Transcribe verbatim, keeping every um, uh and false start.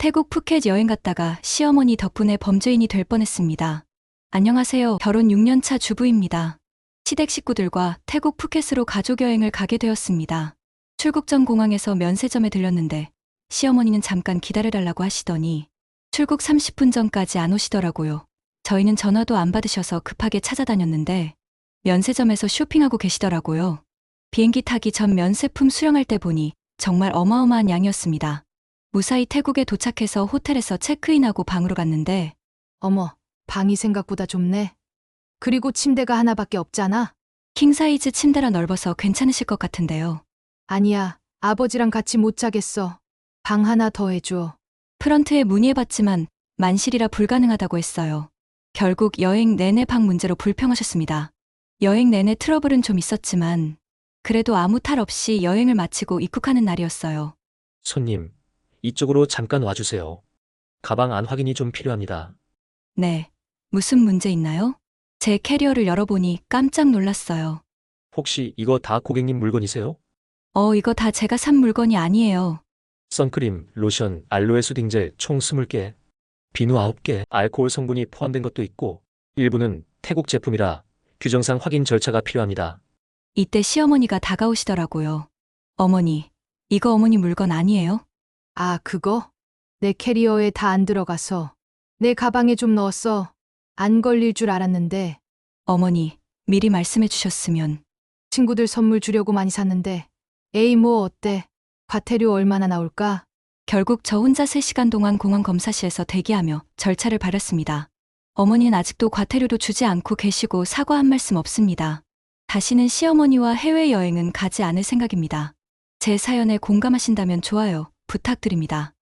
태국 푸켓 여행 갔다가 시어머니 덕분에 범죄인이 될 뻔했습니다. 안녕하세요. 결혼 육 년 차 주부입니다. 시댁 식구들과 태국 푸켓으로 가족 여행을 가게 되었습니다. 출국 전 공항에서 면세점에 들렸는데 시어머니는 잠깐 기다려달라고 하시더니 출국 삼십 분 전까지 안 오시더라고요. 저희는 전화도 안 받으셔서 급하게 찾아다녔는데 면세점에서 쇼핑하고 계시더라고요. 비행기 타기 전 면세품 수령할 때 보니 정말 어마어마한 양이었습니다. 무사히 태국에 도착해서 호텔에서 체크인하고 방으로 갔는데 어머, 방이 생각보다 좁네. 그리고 침대가 하나밖에 없잖아. 킹사이즈 침대라 넓어서 괜찮으실 것 같은데요. 아니야, 아버지랑 같이 못 자겠어. 방 하나 더 해줘. 프런트에 문의해봤지만 만실이라 불가능하다고 했어요. 결국 여행 내내 방 문제로 불평하셨습니다. 여행 내내 트러블은 좀 있었지만 그래도 아무 탈 없이 여행을 마치고 입국하는 날이었어요. 손님, 이쪽으로 잠깐 와주세요. 가방 안 확인이 좀 필요합니다. 네, 무슨 문제 있나요? 제 캐리어를 열어보니 깜짝 놀랐어요. 혹시 이거 다 고객님 물건이세요? 어, 이거 다 제가 산 물건이 아니에요. 선크림, 로션, 알로에 수딩젤 총 스무 개, 비누 아홉 개, 알코올 성분이 포함된 것도 있고 일부는 태국 제품이라 규정상 확인 절차가 필요합니다. 이때 시어머니가 다가오시더라고요. 어머니, 이거 어머니 물건 아니에요? 아, 그거? 내 캐리어에 다 안 들어가서 내 가방에 좀 넣었어. 안 걸릴 줄 알았는데 어머니, 미리 말씀해 주셨으면. 친구들 선물 주려고 많이 샀는데 에이 뭐 어때? 과태료 얼마나 나올까? 결국 저 혼자 세 시간 동안 공항 검사실에서 대기하며 절차를 밟았습니다. 어머니는 아직도 과태료도 주지 않고 계시고 사과 한 말씀 없습니다. 다시는 시어머니와 해외여행은 가지 않을 생각입니다. 제 사연에 공감하신다면 좋아요 부탁드립니다.